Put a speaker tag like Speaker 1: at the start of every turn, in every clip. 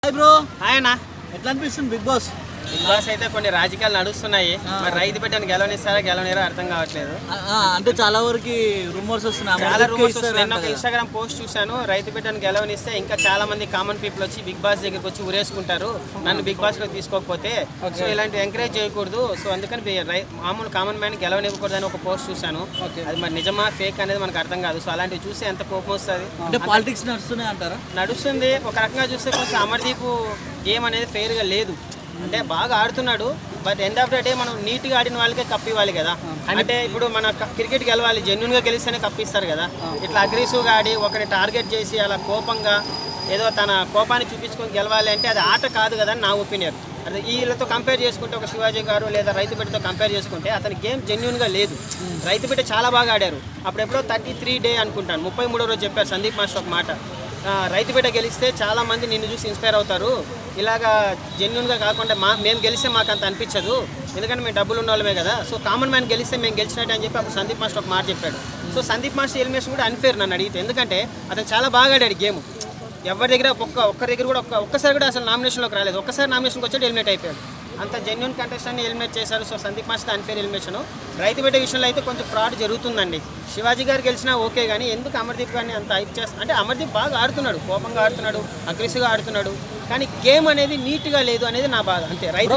Speaker 1: Hi bro.
Speaker 2: Hi అన్న.
Speaker 1: ఎట్లా అనిపిస్తుంది బిగ్ బాస్?
Speaker 2: బిగ్ బాస్ అయితే కొన్ని రాజకీయాలు నడుస్తున్నాయి. మరి రైతు బిడ్డను గెలవనిస్తారా గెలవనిరా అర్థం కావట్లేదు.
Speaker 1: అంటే చాలా వరకు రూమర్స్ వస్తున్నాయి.
Speaker 2: చాలా రూమర్స్ వస్తున్నాయి. నేను ఒక ఇన్స్టాగ్రామ్ పోస్ట్ చూశాను, రైతు బిడ్డను గెలవనిస్తే ఇంకా చాలా మంది కామన్ పీపుల్ వచ్చి బిగ్ బాస్ దగ్గరికి వచ్చి ఉరేసుకుంటారు నన్ను బిగ్ బాస్ లో తీసుకోకపోతే. సో ఇలాంటి ఎంకరేజ్ చేయకూడదు. సో అందుకని మామూలు కామన్ మ్యాన్ గెలవనివ్వకూడదు అని ఒక పోస్ట్ చూశాను. అది మరి నిజమా ఫేక్ అనేది మనకు అర్థం కాదు. సో అలాంటివి చూస్తే ఎంత కోపం వస్తుంది.
Speaker 1: అంటే పాలిటిక్స్ నడుస్తున్నాయి అంటారా?
Speaker 2: నడుస్తుంది. ఒక రకంగా చూస్తే కొంచెం అమర్దీప్ గేమ్ అనేది ఫెయిర్గా లేదు. అంటే బాగా ఆడుతున్నాడు, but end of the day మనం నీట్గా ఆడిన వాళ్ళకే కప్ ఇవ్వాలి కదా. అంటే ఇప్పుడు మన క్రికెట్ గెలవాలి, జెన్యున్గా గెలిస్తేనే కప్ ఇస్తారు కదా. ఇట్లా అగ్రెసివ్గా ఆడి ఒకరిని టార్గెట్ చేసి అలా కోపంగా ఏదో తన కోపాన్ని చూపించుకొని గెలవాలి అంటే అది ఆట కాదు కదా అని నా ఒపీనియన్. అదే వీళ్ళతో కంపేర్ చేసుకుంటే ఒక శివాజీ గారు లేదా రైతు బిడ్డతో కంపేర్ చేసుకుంటే అతని గేమ్ జెన్యున్గా లేదు. రైతు బిడ్డ చాలా బాగా ఆడారు. అప్పుడెప్పుడో 33 డే అనుకుంటాను 33వ రోజు చెప్పారు సందీప్ మాస్టర్ ఒక మాట, రైతు బిడ్డ గెలిస్తే చాలామంది నిన్ను చూసి ఇన్స్పైర్ అవుతారు, ఇలాగా జెన్యున్గా కాకుండా మేము గెలిస్తే మాకు అంత అనిపించదు, ఎందుకంటే మేము డబ్బులు ఉన్న వాళ్ళమే కదా. సో కామన్ మ్యాన్ గెలిస్తే మేము గెలిచినట్టు అని చెప్పి అప్పుడు సందీప్ మాస్టర్ ఒక మాట చెప్పాడు. సో సందీప్ మాస్టర్ ఎలిమినేషన్ కూడా అన్ఫేర్ నన్ను అడిగితే, ఎందుకంటే అతను చాలా బాగా ఆడాడు గేమ్. ఎవరి దగ్గర ఒక్కరి దగ్గర కూడా ఒక్కసారి కూడా అసలు నామినేషన్లోకి రాలేదు. ఒక్కసారి నామినేషన్కి వచ్చాడు, ఎలిమినేట్ అయిపోయాడు. అంత జెన్యున్ కంటెస్టెంట్ని ఎలిమినేట్ చేశారు. So Sandeep master unfair elimination. రైతు బిడ్డ విషయంలో అయితే కొంచెం ఫ్రాడ్ జరుగుతుందండి. శివాజీ గారు గెలిచినా ఓకే, కానీ ఎందుకు అమర్దీప్ గారిని అంత హైప్ చేస్తారు అంటే అమర్దీప్ బాగా ఆడుతున్నాడు, కోపంగా ఆడుతున్నాడు, అగ్రెసివ్గా ఆడుతున్నాడు, కానీ గేమ్ అనేది నీట్గా లేదు అనేది నా బాధ. అంతే. రైతు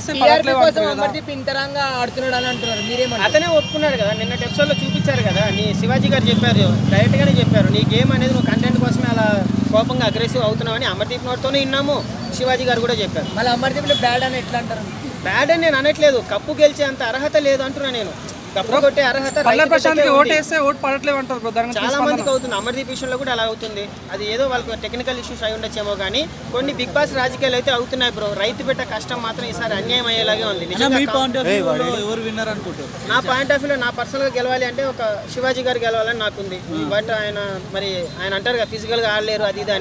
Speaker 2: అతనే ఒప్పుకున్నాడు కదా, నిన్న ఎపిసోడ్లో చూపించారు కదా. నీ శివాజీ గారు చెప్పారు, డైరెక్ట్గానే చెప్పారు, నీ గేమ్ అనేది నువ్వు కంటెంట్ కోసమే అలా కోపంగా అగ్రెసివ్ అవుతున్నావు అని అమర్దీప్ నోట్తోనే విన్నాము. శివాజీ గారు కూడా చెప్పారు.
Speaker 3: మళ్ళీ అమర్దీప్లో బ్యాడ్ అని ఎట్లా అంటారు?
Speaker 2: బ్యాడ్ అని నేను అనట్లేదు, కప్పు గెలిచే అంత అర్హత లేదు అంటున్నా నేను. కప్పు కొట్టే అర్హత చాలా మందికి అవుతుంది. అమర్దీప్ విషయంలో కూడా అలా అవుతుంది. అది ఏదో వాళ్ళకి టెక్నికల్ ఇష్యూస్ అయి ఉండొచ్చేమో కానీ కొన్ని బిగ్ బాస్ రాజకీయాలు అయితే అవుతున్నాయి బ్రో. రైతు బిడ్డ కష్టం మాత్రం ఈసారి అన్యాయం అయ్యేలాగే ఉంది. నా పాయింట్ ఆఫ్ వ్యూలో నా పర్సనల్గా గెలవాలి అంటే ఒక శివాజీ గారు గెలవాలని నాకుంది. బట్ ఆయన అంటారు కదా ఫిజికల్గా ఆడలేరు అది ఇది అని.